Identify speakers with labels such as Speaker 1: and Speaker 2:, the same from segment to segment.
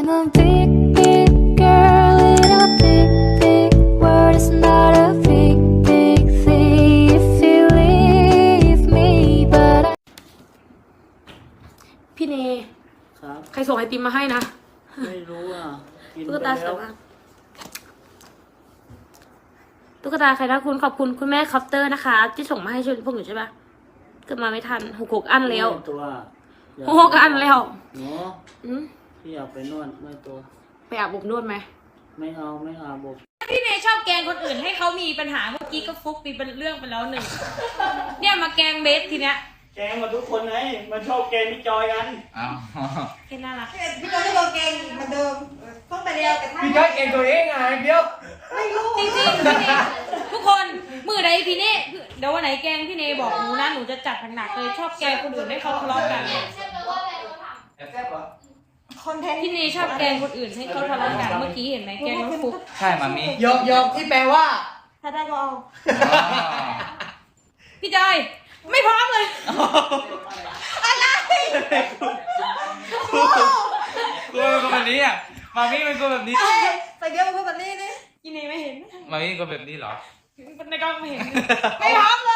Speaker 1: I'm a big, big girl in a big, big world. It's not a big, big thing if you leave me, but I...
Speaker 2: พี่เน
Speaker 3: ครับ
Speaker 2: ใครส่งไอติมมาให้นะ
Speaker 3: ไม่รู้อ่ะกิน
Speaker 2: ตุ๊
Speaker 3: ไป
Speaker 2: กตาส
Speaker 3: แล้ว
Speaker 2: วยมากตุ๊กตาใครนะคุณขอบคุณคุณแม่คอปเตอร์นะคะ ที่ส่งมาให้ช่วยพวกหนูใช่ปะเกิดมาไม่ทันหกอันแล้ว
Speaker 3: ไม่ตัวอยาก
Speaker 2: หกอันแล้ว
Speaker 3: เนาะ
Speaker 2: อืม
Speaker 3: พี่อยากไปนวดไม่ตัว
Speaker 2: ไปอาบอบนวดไหม
Speaker 3: ไม่เอาไม่อาบอบ
Speaker 4: พี่เนยชอบแกล้งคนอื่นให้เขามีปัญหาเมื่อกี้ก็ฟุกมีเป็นเรื่องไปแล้วหนึ่ง เนี่ยมาแกล้งเบสทีเนี้ย
Speaker 3: แกงมาทุกคนไงมันชอบแกงพี่จอยกัน
Speaker 5: อ้าว
Speaker 4: แค่น่ารัก
Speaker 6: พี่จอยก็โดนเกงเหมือนเดิมต้องไปเรียวแต่ถ้า
Speaker 5: พี่จ้อยเก่งตัวเองไงเดี๋ยว
Speaker 6: ไม่รู้
Speaker 4: จริงๆพี่เนยทุกคนมือใดพี่เนยเดี๋ยววันไหนแกล้งพี่เนยบอกหนูนะหนูจะจัดหนักๆเลยชอบแกล้งคนอื่นให้เขาทะเลาะกัน
Speaker 5: แซ่บเหรอ
Speaker 6: คอนเทนต์
Speaker 4: พี่เนยชอบแกล้งคนอื่นให้เขาทะเลาะกันเมื่อกี้เห็นไหมแกล้งน้องฟุก
Speaker 5: ใช่มามี
Speaker 7: ยกที่แปลว่า
Speaker 6: ถ้าได้ก็เอา
Speaker 4: พี่จอยไม่พร้อมเลย
Speaker 5: กูเป็นคนแบบนี้อ่ะมามีเป็นคนแบบนี้
Speaker 6: ใส่เดียวเป็นคนแบบนี้นี่
Speaker 4: พี่เนยไม่เห็น
Speaker 5: มามีเป็นคนแบบนี้เหรอ
Speaker 4: ในกล้องไม่เห็นไม่พร้อมเลย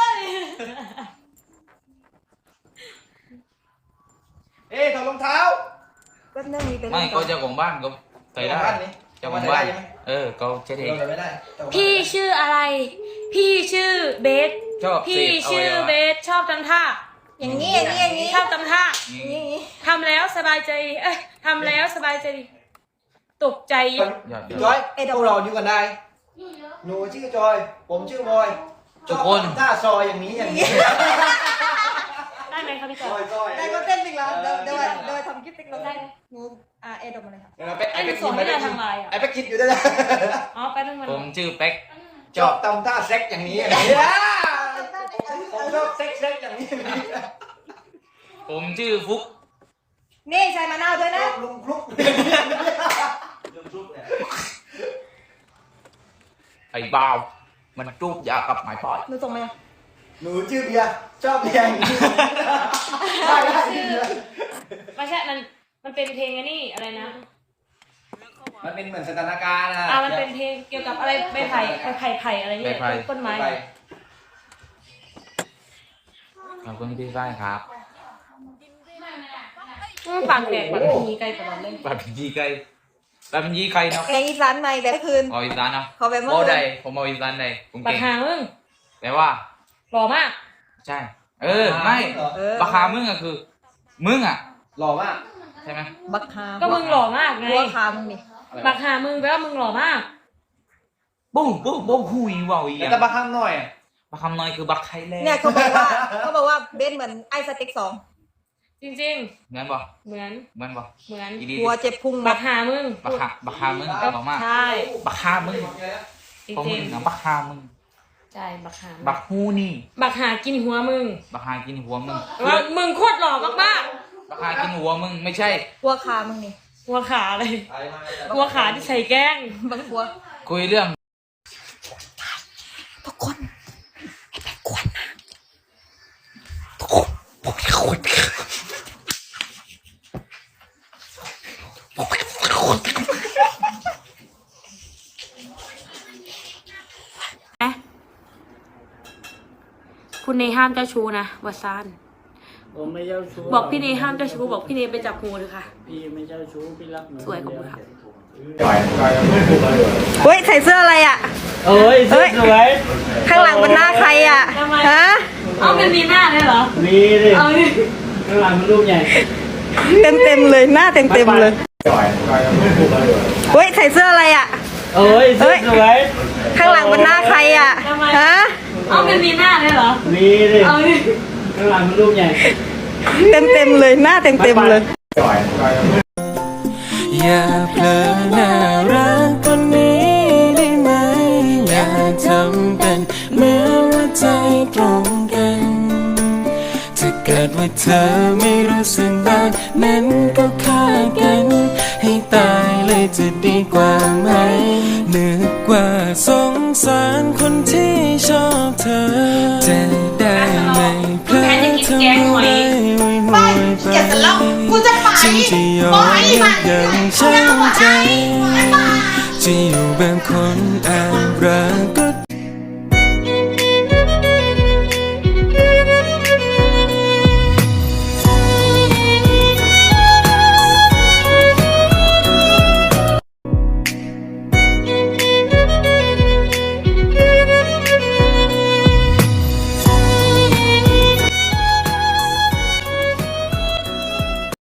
Speaker 7: เอ๊ะถอดรองเท้า
Speaker 6: แป๊บนึงมีเป็น
Speaker 5: ไม่เขาเจ้าของบ้านเขาใส่ได้
Speaker 7: เจ้า
Speaker 5: เจ้า
Speaker 7: ข
Speaker 5: ข
Speaker 7: อ
Speaker 5: อง ง
Speaker 7: บ้า
Speaker 5: บ้าน น
Speaker 7: ใช่ไหม
Speaker 5: เขาเช็ดเอง
Speaker 7: เราไม่ได้
Speaker 4: พี่ชื่ออะไร พี่ชื่อเบส
Speaker 5: ชอบ
Speaker 4: พี่ชื่อเบสชอบทำท่า
Speaker 6: อย่างนี้อย่างนี้อย่างนี้
Speaker 4: ชอบทำท่า
Speaker 6: อย่างนี้อย่างนี้
Speaker 4: ทำแล้วสบายใจเอ้ยทำแล้วสบายใจตกใจ
Speaker 5: ยอด
Speaker 7: จอยพวกเราอยู่กันได้หนูชื่อจอย ผมชื่อบอยท่าซอยอย่างนี้อย่างนี้
Speaker 4: ได้ไหมคะพี่จ
Speaker 7: ซ
Speaker 4: อ
Speaker 7: อย ยซอย
Speaker 6: ได้ก็เต้นอีกแล้วเดี๋ยวทำคลิปติ๊กลงได้หนูเอดออกมาเลยค่ะ
Speaker 4: ไอ้หนูส่งให้เราทางไลน์อ่ะ
Speaker 7: ไอ้แป๊กคิดอยู่ด้วยนะ
Speaker 4: อ๋อไปตั้งมัน
Speaker 5: ผมชื่อเป๊ก
Speaker 7: ชอบทำท่าเซ็กอย่างนี้อย่างนี้ผมชอบเซ็กอย่างนี้อย่างนี้
Speaker 5: ผมชื่อฟุก
Speaker 6: นี่ใส่มะนาวด้วยนะ
Speaker 7: ลุงคลุก
Speaker 5: ไอ้บ่าวมันจูบยากับไม้พอย
Speaker 6: หนูส่งมา
Speaker 7: หนูชื่อเบียร์ชอบเบียร์อย่างนี้ได้ได้
Speaker 4: ไม่ใช่มันเป็นเพลงอันนี้อะไรนะ
Speaker 7: มันเป็นเหมือนสถานการณ์นะ
Speaker 4: มันเป็นเพลงเกี่ยวกับอะไรใบไผ่อะไรเนี่ยต้นไม้
Speaker 5: ขอบคุณพี่ฝ้ายครับ
Speaker 4: ปากแดกแบบมีไกลตลอดเลย
Speaker 5: แบบเป็นยีไก่แบบเป็นยีไก่เนาะ
Speaker 6: เพลงอีสานใหม่แบบคืน
Speaker 5: เอาอีสานเนาะ
Speaker 6: ขอแบบเมื่อ
Speaker 5: โอ้
Speaker 6: คื
Speaker 5: ใด
Speaker 6: น
Speaker 5: ผมเอาอีสานใดผม
Speaker 4: ปาก
Speaker 5: เก่ง
Speaker 4: หางมึง
Speaker 5: แต่ว่า
Speaker 4: หล่อมาก
Speaker 5: ใช่ ไม่ ราคามึงอะคือ มึงอะ
Speaker 7: หล่อมาก
Speaker 5: ใช่ไหม
Speaker 6: บักฮา
Speaker 4: ก็มึงหล่อมากไง
Speaker 6: บัวคามึงนี่
Speaker 4: ปากหามึงแปลว่ามึงหล่อมาก
Speaker 5: บุ้งหุยว่าวอี
Speaker 7: แล้ว
Speaker 5: อะ
Speaker 7: แต่บางคำหน่อย
Speaker 5: บักคำน้อยคือบักไทยแลนด์
Speaker 6: เนี่ยเขาบอกว่าเบนเหมือนไอสติ๊ก2
Speaker 4: จริง
Speaker 5: เหมือนบ่
Speaker 4: ๆ เหมือน
Speaker 5: เหมือนบ่
Speaker 4: เหมือน
Speaker 5: อีดี
Speaker 6: หัวเจ็บพุง
Speaker 4: ปากหามึง
Speaker 5: บักฮามึงหล่อมาก
Speaker 4: ใช่
Speaker 5: บักฮามึง
Speaker 4: จริ
Speaker 5: ของมึ
Speaker 4: ง
Speaker 5: งนะบักฮามึง
Speaker 4: ๆใช่บักหา
Speaker 5: บักฮูนี่
Speaker 4: บักหากินหัวมึง
Speaker 5: บักฮากินหัวมึง
Speaker 4: ว่ามึงโคตรหล่อมาก
Speaker 5: บักฮากินหัวมึงไม่ใช่
Speaker 6: หัวคามึงนี่
Speaker 4: ๆหัวขาเลยหัวขาที่ใส่แกล้ง
Speaker 6: บักหัว
Speaker 5: คุยเรื่อง
Speaker 6: ทุกคน
Speaker 2: คุณเนห้ามเจ้าชู้นะวัซาน
Speaker 3: ผมไม่เจ้าชู้
Speaker 2: บอกพี่เนห้ามเจ้าชู้บอกพี่เนไปจับงูเลยค่ะ
Speaker 3: พี่ไม่เจ้าชู้พี่รักหนู
Speaker 2: สวยขอบคุณค่ะ
Speaker 6: เฮ้ยใส่เสื้ออะไรอ่ะ
Speaker 3: โอ้ยสวย
Speaker 6: ข้างหลังเป็นหน้าใครอ่ะฮะ
Speaker 4: เอามันมีหน้าเลยเหรอ
Speaker 3: มีดิ
Speaker 4: เอาดิ
Speaker 3: ข้างหลังมันรูปใหญ่
Speaker 6: เต็มเลยหน้าเต็มเลยเฮ้ยใส่เสื้ออะไรอ่ะ
Speaker 3: โอ้ยสวย
Speaker 6: ข้างหลังเป็นหน้าใครอ่ะฮะ
Speaker 4: เอามันมีหน้าเลยเหรอ
Speaker 3: มีดิ
Speaker 4: เอาดิ
Speaker 3: ข้างหลังมันรูปใหญ่
Speaker 6: เต็มเลยหน้าเต็มเลย
Speaker 8: อย่าเผลอน่ารักคนนี้ได้ไหมอย่าทำเป็นเหมือนว่าใจตรงกันถ้าเกิดว่าเธอไม่รู้สึกบ้างนั้นก็ฆ่ากันให้ตายเลยจะดีกว่าไหมนึกว่าสงสารคนที่ชอบเธอจะได้ไม่เพลอทำอะไรไว้ห่วยไปฉันจะยอมทุกอย่างฉันจะอยู่แบบคนแอบรักก็